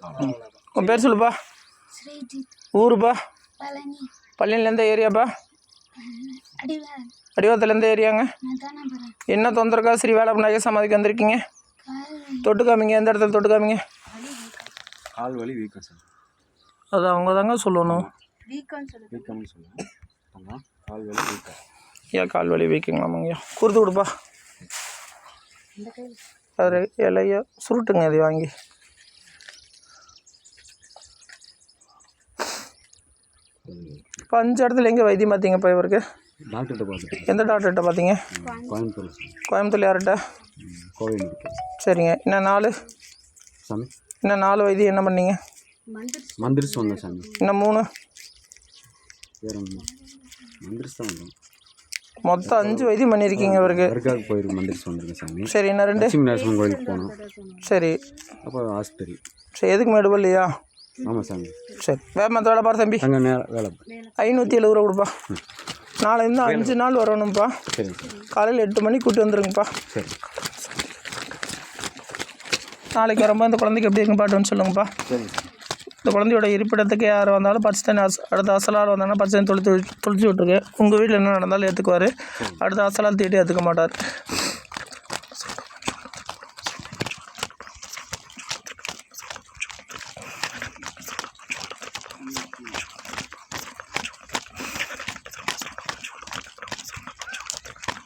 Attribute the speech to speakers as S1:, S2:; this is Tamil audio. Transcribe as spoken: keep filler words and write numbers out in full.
S1: உன் பேர் சொல்லுப்பா. ஊருப்பா. பழனியில் எந்த ஏரியாப்பா? அடிவாரத்தில் எந்த ஏரியாங்க? என்ன தொந்தரக்கா ஸ்ரீ வேலை நகை சமாதிக்கு வந்திருக்கீங்க? தொட்டு காமிங்க. எந்த இடத்துல தொட்டு காமிங்க?
S2: கால் வலி வீக்கம் சார்.
S1: அது அவங்க தாங்க சொல்லணும்.
S2: வீக்கம்னு சொல்லுங்கள். ஆமாம், கால் வலி வீக்கம்.
S1: ஏன் கால் வலி வீக்கங்களாமாங்கய்யா? கொடுத்து கொடுப்பா. அது இலையா சுருட்டுங்க அதை வாங்கி. இப்போ அஞ்சு இடத்துல எங்கே வைத்தியம் பார்த்தீங்கப்பா இவருக்கு?
S2: டாக்டர்கிட்ட பார்த்தேன்.
S1: எந்த டாக்டர்கிட்ட பார்த்தீங்க?
S2: கோயம்புத்தூர்.
S1: கோயம்புத்தூர் யார்கிட்ட?
S2: கோவில்.
S1: சரிங்க. இன்னும் நாலு
S2: சாமி
S1: இன்னும் நாலு வைத்தியம் என்ன பண்ணீங்க?
S2: மந்திரிச்சு வந்தேன் சாமி.
S1: இன்னும் மூணு
S2: வேற ஒன்று மந்திரிச்சு தான் வந்தோம்.
S1: மொத்தம் அஞ்சு வைத்தியம் பண்ணியிருக்கீங்க இவருக்கு.
S2: தர்காவுக்கு போயிருக்கு மந்திரிச்சு வந்திருக்கேன் சாமி.
S1: சரி, இன்னும் ரெண்டு?
S2: லட்சுமி நரசிம்மன் கோயிலுக்கு போனோம்.
S1: சரி.
S2: அப்போ ஹாஸ்பிட்டல்.
S1: சரி, எதுக்கு மேடு இல்லையா?
S2: ஆமாம் சாமி.
S1: சரி, வேறு மற்ற வேலை பாரு தம்பி.
S2: அங்கே நே வேலை
S1: ஐநூற்றி எழுபது ரூபா கொடுப்பா. நாளை இன்னும் அஞ்சு நாள் வரணும்ப்பா.
S2: சரிங்க சார்.
S1: காலையில் எட்டு மணிக்கு கூட்டி வந்துருங்கப்பா.
S2: சரி.
S1: நாளைக்கு வரும்போது இந்த குழந்தைக்கு எப்படி இருக்குன்னு பாட்டுன்னு சொல்லுங்கப்பா.
S2: சரி.
S1: இந்த குழந்தையோட இருப்பிடத்துக்கு யார் வந்தாலும் பச்சை தண்ணி அச அடுத்த அசலால் வந்தாங்கன்னா பச்சை தண்ணி தொளித்து தொளிச்சு விட்ருக்கு. உங்கள் வீட்டில் என்ன நடந்தாலும் ஏற்றுக்குவார். அடுத்த அசலால் தீட்டி ஏற்றுக்க மாட்டார்.